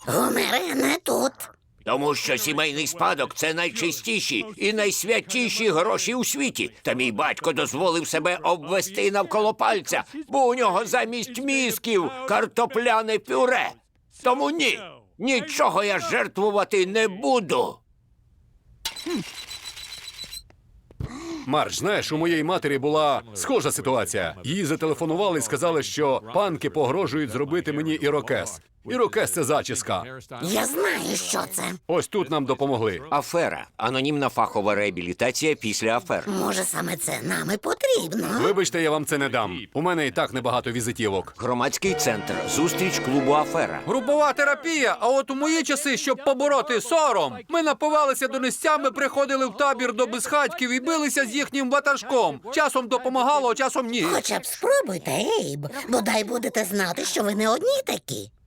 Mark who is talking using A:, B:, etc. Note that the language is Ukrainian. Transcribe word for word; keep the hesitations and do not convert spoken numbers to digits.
A: Гомере, не тут.
B: Тому що сімейний спадок – це найчистіші і найсвятіші гроші у світі. Та мій батько дозволив себе обвести навколо пальця, бо у нього замість мізків картопляне пюре. Тому ні, нічого я жертвувати не буду.
C: Марш, знаєш, у моєї матері була схожа ситуація. Їй зателефонували і сказали, що панки погрожують зробити мені ірокез. Ірокез – це зачіска.
A: Я знаю, що це.
C: Ось тут нам допомогли.
B: Афера – анонімна фахова реабілітація після афер.
A: Може, саме це нам і потрібно.
C: Вибачте, я вам це не дам. У мене і так небагато візитівок.
B: Громадський центр «Зустріч клубу Афера».
D: Групова терапія, а от у мої часи, щоб побороти сором, ми напивалися донестями, приходили в табір до безхатьків і билися з їхнім ватажком. Часом допомагало, а часом ні.
A: Хоча б спробуйте, Ейб. Бодай будете знати, що ви не одні такі.